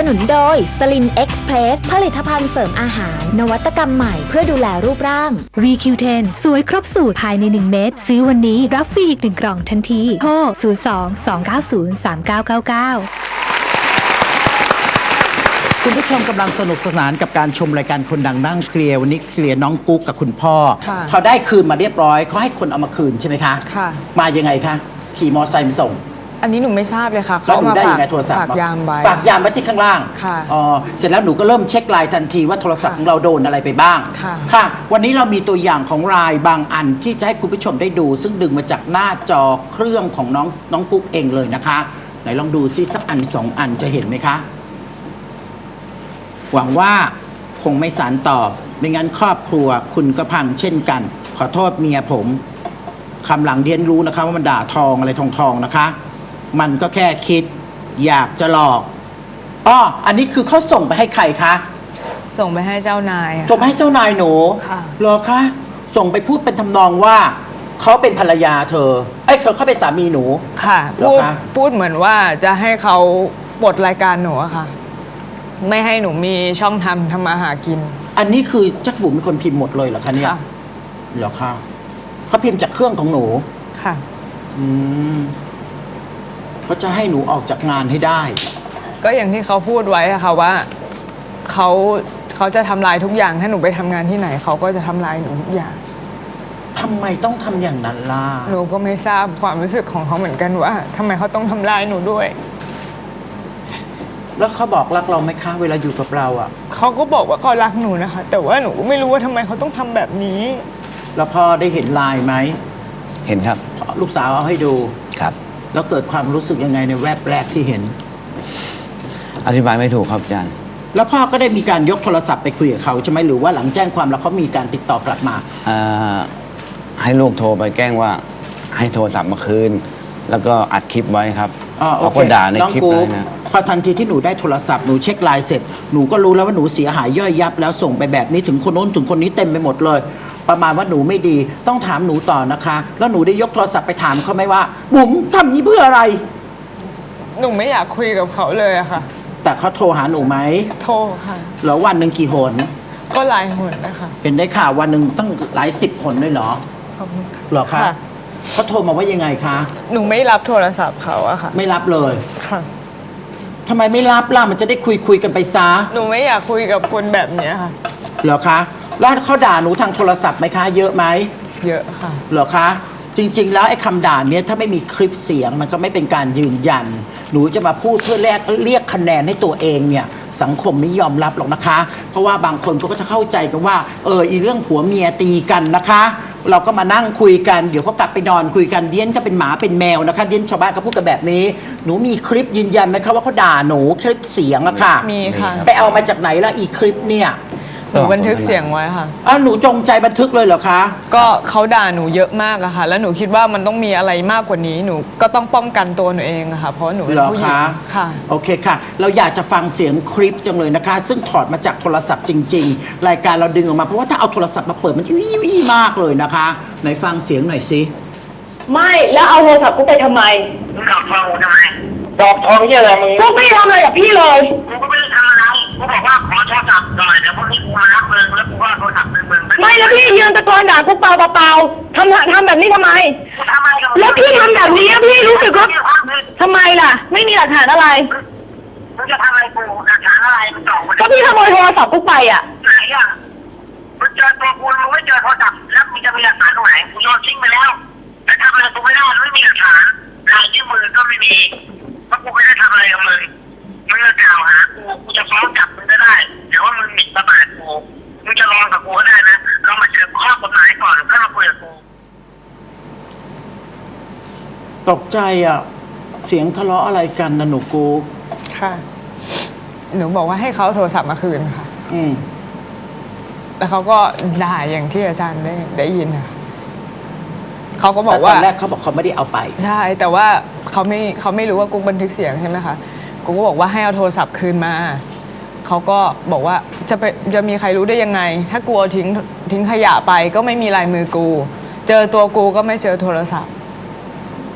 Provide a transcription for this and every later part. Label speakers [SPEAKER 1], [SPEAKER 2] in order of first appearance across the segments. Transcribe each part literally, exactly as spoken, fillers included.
[SPEAKER 1] นุนโดยสลินเอ็กซ์เพรสผลิตภัณฑ์เสริมอาหารนวัตกรรมใหม่เพื่อดูแลรูปร่าง วี คิว เท็น สวยครบสูตรภายในหนึ่งเม็ดซื้อวันนี้รับฟรีอีกหนึ่งกล่องทันทีโทร ศูนย์ สอง สอง เก้า ศูนย์ สาม เก้า เก้า เก้า
[SPEAKER 2] คุณผู้ชมกำลังสนุกสนานกับการชมรายการคนดังนั่งเคลียร์วันนี้เคลียร์น้องกุ๊กกับคุณพ่อเขาได้คืนมาเรียบร้อยเขาให้คนเอามาคืนใช่ไหมคะค่ะมายังไงคะขี่มอเตอร์ไซค์มาส่ง
[SPEAKER 3] อันนี้หนูไม่ทราบเลยค่ะ
[SPEAKER 2] เขามาได้ยังไงโทรศัพท์
[SPEAKER 3] ฝากยามไว้
[SPEAKER 2] ฝากยามไว้ที่ข้างล่างค่ะอ๋อเสร็จแล้วหนูก็เริ่มเช็คไลน์ทันทีว่าโทรศัพท์ของเราโดนอะไรไปบ้างค่ะค่ะวันนี้เรามีตัวอย่างของไลน์บางอันที่จะให้คุณผู้ชมได้ดูซึ่งดึงมาจากหน้าจอเครื่องของน้องน้องกุ๊กเองเลยนะคะไหนลองดูซิสักอันสองอันจะเห็นไหมคะหวังว่าคงไม่สารต่อไม่งั้นครอบครัวคุณก็พังเช่นกันขอโทษเมียผมคำหลังเรียนรู้นะคะว่ามันด่าทองอะไรทองทองนะคะมันก็แค่คิดอยากจะหลอกอ้ออันนี้คือเขาส่งไปให้ใครคะ
[SPEAKER 3] ส่งไปให้เจ้านาย
[SPEAKER 2] ส่งไปให้เจ้านายหนูค่ะเหรอคะส่งไปพูดเป็นทำนองว่าเขาเป็นภรรยาเธอไอ้เขาเขาเป็นสามีหนู
[SPEAKER 3] ค่ะพูดพูดเหมือนว่าจะให้เขาปลดรายการหนูอะค่ะไม่ให้หนูมีช่องทำทำมาหากิน
[SPEAKER 2] อันนี้คือจักรบุ๋มเป็นคนพิมพ์หมดเลยเหรอคะเนี่ยเหรอคะเขาพิมพ์จากเครื่องของหนูค่ะอืมเขาจะให้หนูออกจากงานให้ได้
[SPEAKER 3] ก็อย่างที่เขาพูดไว้อะค่ะว่าเขาเขาจะทำลายทุกอย่างถ้าหนูไปทำงานที่ไหนเขาก็จะทำลายหนูทุกอย่าง
[SPEAKER 2] ทำไมต้องทำอย่างนั้นล่ะ
[SPEAKER 3] หนูก็ไม่ทราบความรู้สึกของเขาเหมือนกันว่าทำไมเขาต้องทำลายหนูด้วย
[SPEAKER 2] แล้วเขาบอกรักเราไหมคะเวลาอยู่กับเราอ่ะ
[SPEAKER 3] เขาก็บอกว่าเขารักหนูนะคะแต่ว่าหนูก็ไม่รู้ว่าทำไมเขาต้องทำแบบนี้
[SPEAKER 2] แล้วพ่อได้เห็นไลน์ไหม
[SPEAKER 4] เห็นครับ
[SPEAKER 2] ลูกสาวเอาให้ดู
[SPEAKER 4] ครับ
[SPEAKER 2] แล้วเกิดความรู้สึกยังไงในแวบแรกที่เห็น
[SPEAKER 4] อธิบายไม่ถูกครับอาจารย์
[SPEAKER 2] แล้วพ่อก็ได้มีการยกโทรศัพท์ไปคุยกับเขาใช่ไหมหรือว่าหลังแจ้งความแล้วเขามีการติดต่อกลับมา
[SPEAKER 4] ให้ลูกโทรไปแกล้งว่าให้โทรศัพท์มาคืนแล้วก็อัดคลิปไว้ครับเขาก็ด่าในคลิปเลยนะ
[SPEAKER 2] พอทันทีที่หนูได้โทรศัพท์หนูเช็คไลน์เสร็จหนูก็รู้แล้วว่าหนูเสียหายย่อยยับแล้วส่งไปแบบนี้ถึงคนโน้นถึงคนนี้เต็มไปหมดเลยประมาณว่าหนูไม่ดีต้องถามหนูต่อนะคะแล้วหนูได้ยกโทรศัพท์ไปถามเขาไหมว่าบุ๋มทำนี้เพื่ออะไร
[SPEAKER 3] หนูไม่อยากคุยกับเขาเลยอะค่ะ
[SPEAKER 2] แต่เขาโทรหาหนูไหม
[SPEAKER 3] โทรค่ะ
[SPEAKER 2] แล้ววันหนึ่งกี่หน
[SPEAKER 3] ก็หลายหนนะคะ
[SPEAKER 2] เห็นได้ข่าววันหนึ่งตั้งหลายสิบหนเลยเหรอเหรอคะเขาโทรมาว่ายังไงคะ
[SPEAKER 3] หนูไม่รับโทรศัพท์เขาอะค่ะ
[SPEAKER 2] ไม่รับเลย
[SPEAKER 3] ค่ะ
[SPEAKER 2] ทำไมไม่รับล่ะมันจะได้คุยคุยกันไปซะ
[SPEAKER 3] หนูไม่อยากคุยกับคนแบบนี้ค่ะ
[SPEAKER 2] เหรอคะแล้วเขาด่าหนูทางโทรศัพท์ไหมคะเยอะไหม
[SPEAKER 3] เยอะค่ะ
[SPEAKER 2] เหรอคะจริงๆแล้วไอ้คำด่าเนี้ยถ้าไม่มีคลิปเสียงมันก็ไม่เป็นการยืนยันหนูจะมาพูดเพื่อแลกเรียกคะแนนให้ตัวเองเนี่ยสังคมไม่ยอมรับหรอกนะคะเพราะว่าบางคนก็จะเข้าใจกันว่าเอออีเรื่องผัวเมียตีกันนะคะเราก็มานั่งคุยกันเดี๋ยวเขากลับไปนอนคุยกันเดี้ยนก็เป็นหมาเป็นแมวนะคะเดี้ยนชาวบ้านก็พูดกันแบบนี้หนูมีคลิปยืนยันไหมคะว่าเขาด่าหนูคลิปเสียงอะค่ะ
[SPEAKER 3] มีค่ะ
[SPEAKER 2] ไปเอามาจากไหนล่ะอีคลิปเนี่ย
[SPEAKER 3] หนูบันทึกเสียงไว้ค่ะ
[SPEAKER 2] อ้าวหนูจงใจบันทึกเลยเหรอคะ
[SPEAKER 3] ก็เขาด่าหนูเยอะมากอะค่ะแล้วหนูคิดว่ามันต้องมีอะไรมากกว่านี้หนูก็ต้องป้องกันตัวหนูเองอะค่ะเพราะหนูเป็นผู้หญิงค่ะ
[SPEAKER 2] โอเคค่ะเราอยากจะฟังเสียงคลิปจังเลยนะคะซึ่งถอดมาจากโทรศัพท์จริงๆรายการเราดึงออกมาเพราะว่าถ้าเอาโทรศัพท์มาเปิดมันอี้อี้มากเลยนะคะไหนฟังเสียงหน่อยสิ
[SPEAKER 5] ไม่แล้วเอาโทรศัพท์กูไปทำไมดอกทองทำไมดอกทองเนี่ยอะไรมึงกูไม่ทำอะไรกับพี่เลยกูก็ไม่ได้ทำอะไรกูบอกว่าขอโทรศัพท์หน่อยเดี๋ยวพวกนี้กูมารับมึงแล้วกูว่าโทรศัพท์มึงมึงไม่แล้วพี่ยืนตะโกนด่ากูเปล่าเปล่าทำทำแบบนี้ทำไมทำไมแล้วพี่ทำแบบนี้พี่รู้สึกว่าทำไมล่ะไม่มีหลักฐานอะไรมึงจะทำอะไรกูหลักฐานอะไรมึงบอกก็พี่ขโมยโทรศัพท์กูไปอ่ะไหนอ่ะมึงเจอตัวกูมึงไม่เจอโทรศัพท์แล้วมึงจะมีหลักฐานตรงไหนกูโยนทิ้งไปแล้วแต่ทำอะไรกูไม่ได้ไม่มีหลักฐานลายนิ้วมือก็ไม่มีเพราะกูไม่ได้ทำอะไรกับมึงมึงจะกล่าวหากูกูจะฟ้องกลับมึงก็ได้แต่ว่ามึงหมิ่นประมาทกูมึงจะรอกับกูก็ได้นะเรามาเจอข้อกฎหมายก่อนแล้วมาคุยกับกู
[SPEAKER 2] ตกใจอ่ะเสียงทะเลาะอะไรกันนะหนูกู
[SPEAKER 3] ค่ะหนูบอกว่าให้เขาโทรศัพท์มาคืนค่ะอืมแล้วเขาก็ด่าอย่างที่อาจารย์ได้ได้ยินค่ะเขาก็บอกว่า
[SPEAKER 2] ตอนแรกเขาบอกเขาไม่ได้เอาไป
[SPEAKER 3] ใช่แต่ว่าเขาไม่เขาไม่รู้ว่ากุ๊กบันทึกเสียงใช่ไหมคะกุ๊กก็บอกว่าให้เอาโทรศัพท์คืนมาเขาก็บอกว่าจะไปจะมีใครรู้ได้ยังไงถ้ากูเอาทิ้งทิ้งขยะไปก็ไม่มีลายมือกูเจอตัวกูก็ไม่เจอโทรศัพท์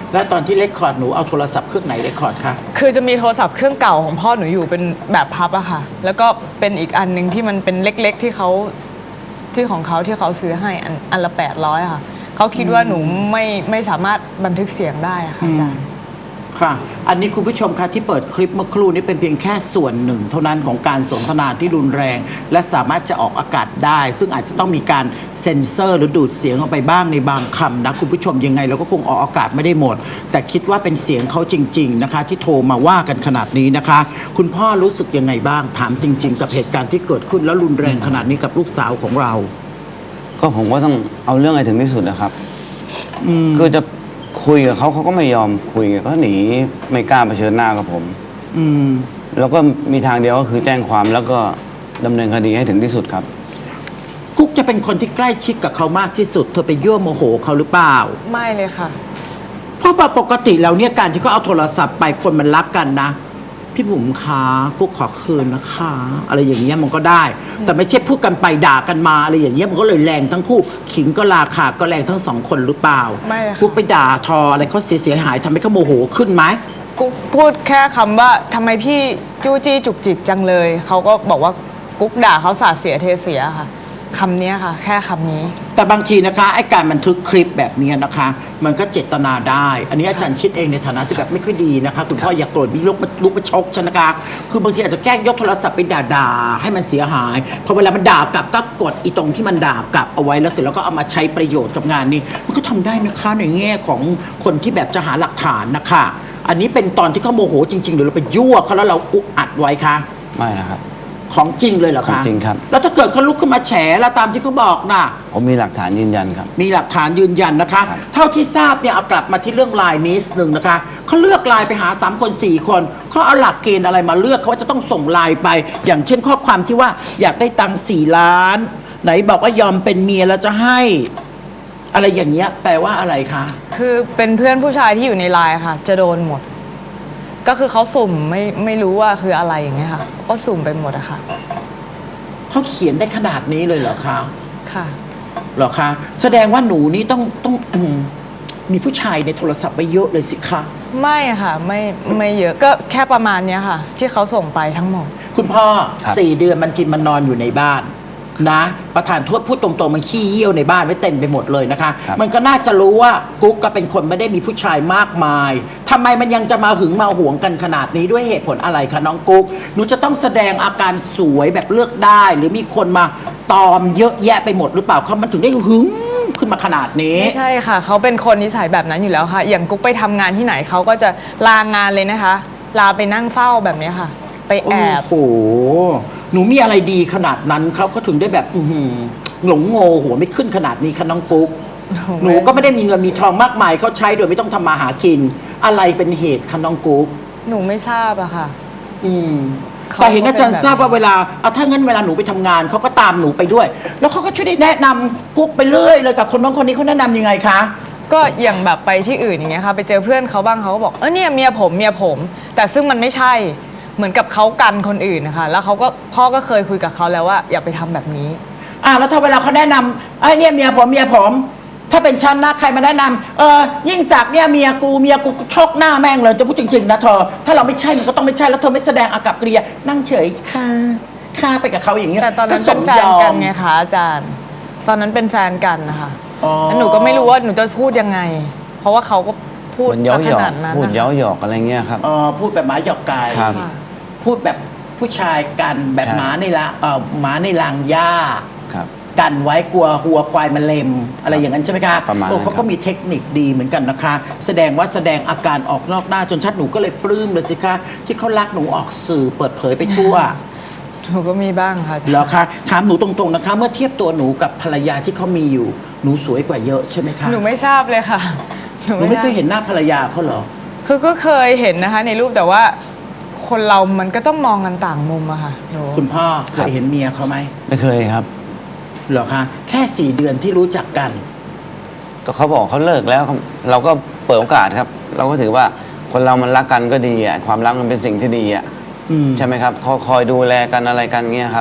[SPEAKER 2] แล้วตอนที่เรคคอร์ดหนูเอาโทรศัพท์เครื่องไหนเรคคอร์ดคะ
[SPEAKER 3] คือจะมีโทรศัพท์เครื่องเก่าของพ่อหนูอยู่เป็นแบบพับอะค่ะ แล้วก็เป็นอีกอันหนึ่งที่มันเป็นเล็กๆที่เขาที่ของเขาที่เขาซื้อให้อันอันละแปดร้อยค่ะเขาคิดว่าหนูไม่ไม่สามารถบันทึกเสียงได้อะค่ะอาจารย์
[SPEAKER 2] ค่ะ อันนี้คุณผู้ชมคะที่เปิดคลิปเมื่อครู่นี้เป็นเพียงแค่ส่วนหนึ่ง เท่านั้นของการสนทนาที่รุนแรง และสามารถจะออกอากาศได้ ซึ่งอาจจะต้องมีการเซ็นเซอร์หรือดูดเสียงออกไปบ้างในบางคำนะคุณผู้ชมยังไงเราก็คงออกอากาศไม่ได้หมด แต่คิดว่าเป็นเสียงเขาจริงๆนะคะที่โทรมาว่ากันขนาดนี้นะคะ คุณพ่อรู้สึกยังไงบ้างถามจริง ๆ กับเหตุการณ์ที่เกิดขึ้นแล้วรุนแรงขนาดนี้กับลูกสาวของเรา
[SPEAKER 4] ก็ผมก็ต้องเอาเรื่องให้ถึงที่สุดนะครับคือจะคุยกับเขาเขาก็ไม่ยอมคุยก็หนีไม่กล้าเผชิญหน้ากับผม
[SPEAKER 2] อืม
[SPEAKER 4] แล้วก็มีทางเดียวก็คือแจ้งความแล้วก็ดำเนินคดีให้ถึงที่สุดครับ
[SPEAKER 2] กุ๊กจะเป็นคนที่ใกล้ชิดกับเขามากที่สุดเธอไปยั่วโมโหเขาหรือเปล่า
[SPEAKER 3] ไม่เลยค่ะ
[SPEAKER 2] เพราะว่าปกติแล้วเนี่ยการที่เขาเอาโทรศัพท์ไปคนมันรักกันนะ พี่บุ๋มคะกุ๊กขอคืนนะคะ อะไรอย่างเงี้ยมันก็ได้ แต่ไม่ใช่พูดกันไปด่ากันมาอะไรอย่างเงี้ยมันก็เลยแรงทั้งคู่ขิงก็ราคาก็แรงทั้งสองคนหรือเปล่า
[SPEAKER 3] ไม่ค่ะ
[SPEAKER 2] กุ๊กไปด่าทออะไรเขาเสียเสียหายทำให้เขาโมโหขึ้นไหม
[SPEAKER 3] กุ๊กพูดแค่คำว่าทำไมพี่จู้จี้จุกจิกจังเลยเขาก็บอกว่ากุ๊กด่าเขาสาดเสียเทเสียค่ะคำนี้ค่ะ แค่คำนี้
[SPEAKER 2] แต่บางทีนะคะไอ้การบันทึกคลิปแบบนี้นะคะ มันก็เจตนาได้ อันนี้อาจารย์คิดเองในฐานะที่แบบไม่ค่อยดีนะคะคุณพ่ออย่าโกรธพี่ลุกมาลุกมาชกฉันนะคะคือบางทีอาจจะแกล้งยกโทรศัพท์ไปด่าๆให้มันเสียหายพอเวลามันด่ากลับก็กดอีตรงที่มันด่ากลับเอาไว้แล้วเสร็จแล้วก็เอามาใช้ประโยชน์กับงานนี้มันก็ทำได้นะคะในแง่ของคนที่แบบจะหาหลักฐานนะคะอันนี้เป็นตอนที่เขาโมโหจริงๆหรือเราไปยั่วเขาแล้วเราอุกอัดไว้คะ
[SPEAKER 4] ไม่นะครับ
[SPEAKER 2] ของจริงเลยเหรอ
[SPEAKER 4] ขอ
[SPEAKER 2] คะ
[SPEAKER 4] งจริงครับ
[SPEAKER 2] แล้วถ้าเกิดเขาลุกขึ้นมาแฉแล้วตามที่เขาบอกน่ะ
[SPEAKER 4] ผมมีหลักฐานยืนยันครับ
[SPEAKER 2] มีหลักฐานยืนยันนะคะ
[SPEAKER 4] ครับ
[SPEAKER 2] เท่าที่ทราบเนี่ยเอากลับมาที่เรื่องไลน์นิดหนึ่งนะคะเขาเลือกไลน์ไปหาสามคนสี่คนเขาเอาหลักเกณฑ์อะไรมาเลือกเขาว่าจะต้องส่งไลน์ไป อย่างเช่นข้อความที่ว่าอยากได้ตังค์สี่ล้าน ไหนบอกว่ายอมเป็นเมียแล้วจะให้ อะไรอย่างเงี้ยแปลว่าอะไรคะ
[SPEAKER 3] คือเป็นเพื่อนผู้ชายที่อยู่ในไลน์ค่ะ จะโดนหมด ก็คือเขาสุ่มไม่ไม่รู้ว่าคืออะไรอย่างเงี้ยค่ะ ก็สุ่มไปหมดอะค่ะ
[SPEAKER 2] เขาเขียนได้ขนาดนี้เลยเหรอคะ
[SPEAKER 3] ค่ะ
[SPEAKER 2] เหรอคะแสดงว่าหนูนี่ต้องต้องอืมมีผู้ชายในโทรศัพท์ไปเยอะเลยสิคะ
[SPEAKER 3] ไม่ค่ะไม่ไม่เยอะก็แค่ประมาณเนี้ยค่ะ ที่เขาส่งไปทั้งหมด
[SPEAKER 2] คุณพ่อ
[SPEAKER 4] ครับ
[SPEAKER 2] สี่เดือนมันกินมันนอนอยู่ในบ้านนะ ประธานโทษพูดตรงๆมันขี้เยี่ยวในบ้านไว้เต็มไปหมดเลยนะคะ
[SPEAKER 4] ครับ
[SPEAKER 2] มันก็น่าจะรู้ว่ากุ๊กก็เป็นคนไม่ได้มีผู้ชายมากมายทำไมมันยังจะมาหึงมาหวงกันขนาดนี้ด้วยเหตุผลอะไรคะน้องกุ๊กหนูจะต้องแสดงอาการสวยแบบเลือกได้ หรือมีคนมาตอมเยอะแยะไปหมดหรือเปล่าเขามันถึงได้หึงขึ้นมาขนาดนี้
[SPEAKER 3] ไม่ใช่ค่ะ เขาเป็นคนนิสัยแบบนั้นอยู่แล้วค่ะ อย่างกุ๊กไปทำงานที่ไหนเขาก็จะลางานเลยนะคะ ลาไปนั่งเฝ้าแบบเนี้ยค่ะ ไปแอบ
[SPEAKER 2] โอ้โห หนูมีอะไรดีขนาดนั้นเขาเขาถึงได้แบบอื้อหือหลงโง่หัวไม่ขึ้นขนาดนี้คะน้องกุ๊ก หนูก็ไม่ได้มีเงินมีทองมากมายเขาใช้โดยไม่ต้องทำมาหากิน อะไรเป็นเหตุคะน้องกุ๊ก
[SPEAKER 3] หนูไม่ทราบอะค่ะ
[SPEAKER 2] อืม
[SPEAKER 3] เขา
[SPEAKER 2] แต่เห็นอาจารย์
[SPEAKER 3] ก็เป็นแบบ
[SPEAKER 2] ทราบว่าเวลาเอาถ้างั้นเวลาหนูไปทำงานเขาก็ตามหนูไปด้วย แล้วเขาก็ช่วยได้แนะนำกุ๊กไปเรื่อยเลยกับคนน้องคนนี้เขาแนะนำยังไงคะ
[SPEAKER 3] ก็อย่างแบบไปที่อื่นอย่างเงี้ยค่ะ ไปเจอเพื่อนเขาบ้างเขาก็บอกเออเนี่ยเมียผมเมียผม แต่ซึ่งมันไม่ใช่เหมือนกับเขากันคนอื่นนะคะแล้วเขาก็พ่อก็เคยคุยกับเขาแล้วว่าอย่าไปทำแบบนี้
[SPEAKER 2] อ่าแล้วถ้าเวลาเขาแนะนำไอ้ยเนี่ยเมียผมเมียผม ถ้าเป็นฉันนะใครมาแนะนำเออยิ่งศักดิ์เนี่ยเมียกูเมียกูชกหน้าแม่งเลยจะพูดจริงๆนะเธอถ้าเราไม่ใช่มันก็ต้องไม่ใช่แล้วเธอไม่แสดงอากับกิริยานั่งเฉยค่ะค่าไปกับเขาอย่างเงี้ย
[SPEAKER 3] แต่ตอนนั้นเป็นแฟนกันไงคะอาจารย์ ตอนนั้นเป็นแฟนกันนะคะ
[SPEAKER 2] อ๋อ
[SPEAKER 3] แล้วหนูก็ไม่รู้ว่าหนูจะพูดยังไง เพราะว่าเขาก็พูด
[SPEAKER 4] มันเย้า
[SPEAKER 3] ซะ
[SPEAKER 4] ห
[SPEAKER 3] ข
[SPEAKER 4] ยอก
[SPEAKER 3] นาดนั้น
[SPEAKER 4] พูด
[SPEAKER 3] นะคะ
[SPEAKER 4] เย้าหยอกอะไรเงี้ยครับ
[SPEAKER 2] อ๋อพูดแบบหมาหยอกไก่
[SPEAKER 4] ครับ
[SPEAKER 3] ค่ะ
[SPEAKER 2] พูดแบบผู้ชายกันแบบ
[SPEAKER 4] ใช่
[SPEAKER 2] หมาในละเอ่อหมาในรางหญ้า
[SPEAKER 4] ครับ
[SPEAKER 2] กันไว้กลัวหัวควายมันเล็มอะไรอย่างนั้นใช่ไหมคะ
[SPEAKER 4] ประมาณนั้น
[SPEAKER 2] โอ้เขาก็มีเทคนิคดีเหมือนกันนะคะ แสดงว่าแสดงอาการออกนอกหน้าจนชัดหนูก็เลยปลื้มเลยสิคะที่เขารักหนูออกสื่อเปิดเผยไปทั่ว
[SPEAKER 3] หนูก็มีบ้างค่ะอาจารย์
[SPEAKER 2] เหรอคะถามหนูตรงๆนะคะ เมื่อเทียบตัวหนูกับภรรยาที่เขามีอยู่หนูสวยกว่าเยอะใช่ไหมคะ
[SPEAKER 3] หนูไม่ทราบเลยค่ะ
[SPEAKER 2] หนูไม่เคยเห็นหน้าภรรยาเขาเหรอ
[SPEAKER 3] คือก็เคยเห็นนะคะ ในรูปแต่ว่าคนเรามันก็ต้องมองกันต่างมุมอะค่ะหนู
[SPEAKER 2] คุณพ่อเคยเห็นเมียเขาไหม
[SPEAKER 4] ไม่เคยครับ
[SPEAKER 2] เหรอคะแค่สี่เดือนที่รู้จักกัน
[SPEAKER 4] ก็เขาบอกเขาเลิกแล้วครับเราก็เปิดโอกาสครับ เราก็ถือว่าคนเรามันรักกันก็ดีอ่ะความรักมันเป็นสิ่งที่ดีอ่ะ
[SPEAKER 2] อืม
[SPEAKER 4] ใช่ไหมครับคอยคอยดูแลกันอะไรกันเงี้ยครับ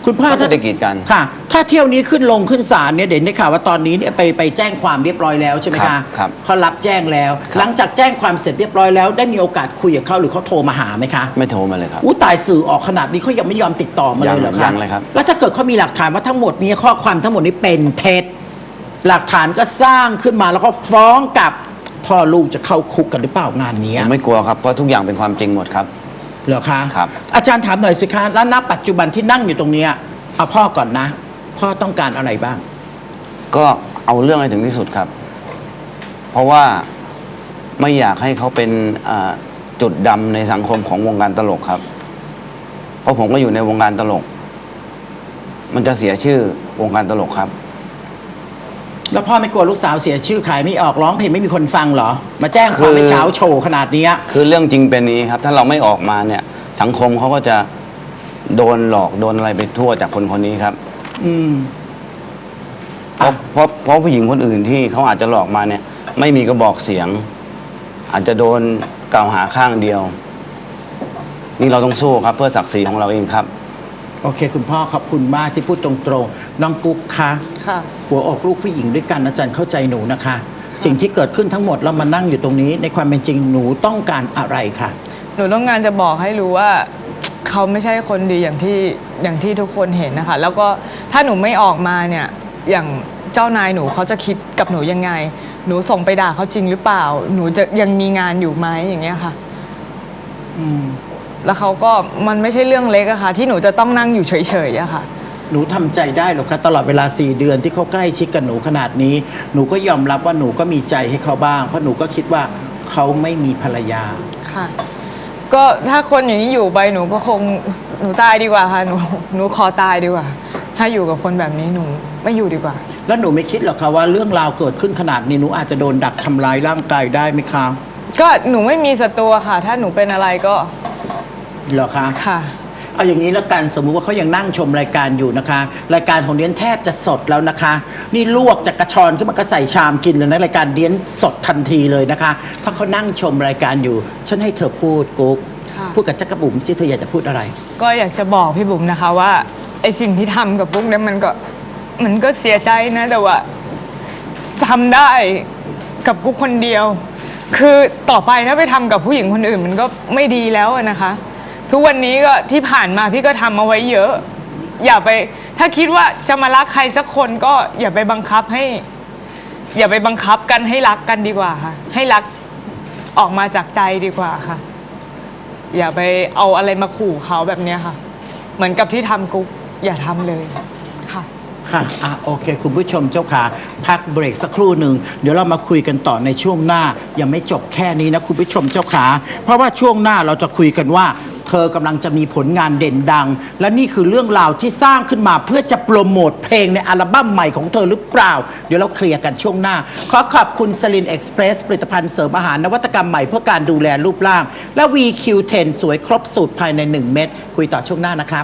[SPEAKER 2] คุณพ่อ
[SPEAKER 4] ก็ไม่ได้กีดกัน
[SPEAKER 2] ค่ะ ถ้าเที่ยวนี้ขึ้นลงขึ้นศาลเนี่ยเด่นได้ข่าวว่าตอนนี้เนี่ยไปไปแจ้งความเรียบร้อยแล้วใช่ไหม
[SPEAKER 4] ครั
[SPEAKER 2] คะ
[SPEAKER 4] บครับ
[SPEAKER 2] เขารับแจ้งแล้ว
[SPEAKER 4] ครับ
[SPEAKER 2] หลังจากแจ้งความเสร็จเรียบร้อยแล้วได้มีโอกาสคุยกับเขาหรือเขาโทรมาหาไหมคะ
[SPEAKER 4] ไม่โทรมาเลยครับ
[SPEAKER 2] อู้ตายสื่อออกขนาดนี้เขายังไม่ยอมติดต่อมาเลยเหรอ
[SPEAKER 4] ยั
[SPEAKER 2] คะ
[SPEAKER 4] งเลยครับ
[SPEAKER 2] แล้วถ้าเกิดเขามีหลักฐานว่าทั้งหมดนี้ข้อความทั้งหมดนี้เป็นเท็จหลักฐานก็สร้างขึ้นมาแล้วก็ฟ้องกับพ่อลูกจะเข้าคุกกันหรือเปล่างานนี้
[SPEAKER 4] ผมไม่กลัวครับเพราะทุกอย่างเป็นความจริงหมดครับ
[SPEAKER 2] เหรอคะ
[SPEAKER 4] ครับ
[SPEAKER 2] อาจารย์ถามหน่อยสิคะแล้วณปัจจุบันที่นั่งอยู่ตรงเนี้ยเอาพ่อก่อนนะ พ่อต้องการอะไรบ้าง
[SPEAKER 4] ก็เอาเรื่องให้ถึงที่สุดครับ เพราะว่าไม่อยากให้เขาเป็นอ่าจุดดำในสังคมของวงการตลกครับ เพราะผมก็อยู่ในวงการตลก มันจะเสียชื่อวงการตลกครับ
[SPEAKER 2] แล้วพ่อไม่กลัวลูกสาวเสียชื่อขายไม่ออกร้องเพลงไม่มีคนฟังเหรอ มาแจ้งความไป
[SPEAKER 4] คือ
[SPEAKER 2] เช้าโชว์ขนาดเนี้ย
[SPEAKER 4] คือเรื่องจริงเป็นนี้ครับ ถ้าเราไม่ออกมาเนี่ย สังคมเขาก็จะโดนหลอกโดนอะไรไปทั่วจากคนคนนี้ครับ
[SPEAKER 2] อืม
[SPEAKER 4] เพราะเพราะเพราะผู้หญิงคนอื่นที่เขาอาจจะหลอกมาเนี่ย ไม่มีกระบอกเสียง อาจจะโดนกล่าวหาข้างเดียว นี่เราต้องสู้ครับ เพื่อศักดิ์ศรีของเราเองครับ
[SPEAKER 2] โอเค คุณพ่อขอบคุณมากที่พูดตรงๆน้องกุ๊กคะ
[SPEAKER 3] ค่ะ
[SPEAKER 2] หัวอกลูกผู้หญิงด้วยกันอาจารย์เข้าใจหนูนะคะ สิ่งที่เกิดขึ้นทั้งหมดเรามานั่งอยู่ตรงนี้ ในความเป็นจริงหนูต้องการอะไรคะ
[SPEAKER 3] หนูต้องการจะบอกให้รู้ว่า เขาไม่ใช่คนดีอย่างที่อย่างที่ทุกคนเห็นนะคะ แล้วก็ถ้าหนูไม่ออกมาเนี่ยอย่างเจ้านายหนูเขาจะคิดกับหนูยังไง หนูส่งไปด่าเขาจริงหรือเปล่า หนูจะยังมีงานอยู่ไหมอย่างเงี้ยค่ะ
[SPEAKER 2] อืม
[SPEAKER 3] แล้วเขาก็มันไม่ใช่เรื่องเล็กอะค่ะ ที่หนูจะต้องนั่งอยู่เฉยๆอะค่ะ
[SPEAKER 2] หนูทำใจได้หรอคะตลอดเวลาสี่เดือนที่เขาใกล้ชิดกับหนูขนาดนี้ หนูก็ยอมรับว่าหนูก็มีใจให้เขาบ้าง เพราะหนูก็คิดว่าเขาไม่มีภรรยา
[SPEAKER 3] ค่ะ ก็ถ้าคนอย่างนี้อยู่ไปหนูก็คงหนูตายดีกว่าค่ะหนูหนูขอตายดีกว่า ถ้าอยู่กับคนแบบนี้หนูไม่อยู่ดีกว่า
[SPEAKER 2] แล้วหนูไม่คิดหรอกคะว่าเรื่องราวเกิดขึ้นขนาดนี้หนูอาจจะโดนดักทำร้ายร่างกายได้ไหมคะ
[SPEAKER 3] ก็หนูไม่มีศัตรูอะค่ะ ถ้าหนูเป็นอะไรก็
[SPEAKER 2] เหรอคะ
[SPEAKER 3] ค่ะ
[SPEAKER 2] เอาอย่างนี้แล้วกันสมมุติว่าเขายังนั่งชมรายการอยู่นะคะ รายการของเดียนแทบจะสดแล้วนะคะ นี่ลวกจากกระชอนขึ้นมาก็ใส่ชามกินเลยนะรายการเดียนสดทันทีเลยนะคะ ถ้าเขานั่งชมรายการอยู่ ฉันให้เธอพูดกุ๊ก
[SPEAKER 3] ค่ะ
[SPEAKER 2] พูดกับจักรบุ๋มสิเธออยากจะพูดอะไร
[SPEAKER 3] ก็อยากจะบอกพี่บุ๋มนะคะว่าไอสิ่งที่ทำกับปุ๊กเนี่ยมันก็มันก็เสียใจนะแต่ว่าทำได้กับกุ๊กคนเดียว คือต่อไปถ้าไปทำกับผู้หญิงคนอื่นมันก็ไม่ดีแล้วอะนะคะ ทุกวันนี้ก็ที่ผ่านมาพี่ก็ทำเอาไว้เยอะ อย่าไปถ้าคิดว่าจะมารักใครสักคนก็อย่าไปบังคับให้ อย่าไปบังคับกันให้รักกันดีกว่าค่ะ ให้รักออกมาจากใจดีกว่าค่ะ อย่าไปเอาอะไรมาขู่เขาแบบเนี้ยค่ะ เหมือนกับที่ทำกุ๊กอย่าทำเลยค่ะ
[SPEAKER 2] ค่ะอ่ะโอเค คุณผู้ชมเจ้าค่ะพักเบรกสักครู่หนึ่งเดี๋ยวเรามาคุยกันต่อในช่วงหน้ายังไม่จบแค่นี้นะคุณผู้ชมเจ้าขาเพราะว่าช่วงหน้าเราจะคุยกันว่า เธอกำลังจะมีผลงานเด่นดัง และนี่คือเรื่องราวที่สร้างขึ้นมาเพื่อจะโปรโมทเพลงในอัลบั้มใหม่ของเธอหรือเปล่า เดี๋ยวเราเคลียร์กันช่วงหน้า ขอขอบคุณสลินเอ็กซ์เพรสผลิตภัณฑ์เสริมอาหารนวัตกรรมใหม่เพื่อการดูแลรูปร่าง และ วี คิว เท็น สวยครบสูตรภายในหนึ่งเม็ดคุยต่อช่วงหน้านะครับ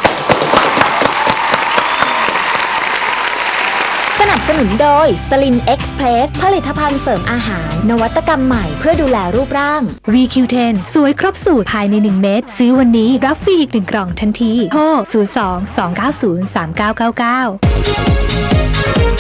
[SPEAKER 1] สนับสนุนโดย สลิน เอ็กซ์เพรส ผลิตภัณฑ์เสริมอาหาร นวัตกรรมใหม่เพื่อดูแลรูปร่าง วี คิว เท็น สวยครบสูตรภายในหนึ่งเม็ดซื้อวันนี้รับฟรีอีกหนึ่งกล่องทันที โทร ศูนย์ สอง สอง เก้า ศูนย์ สาม เก้า เก้า เก้า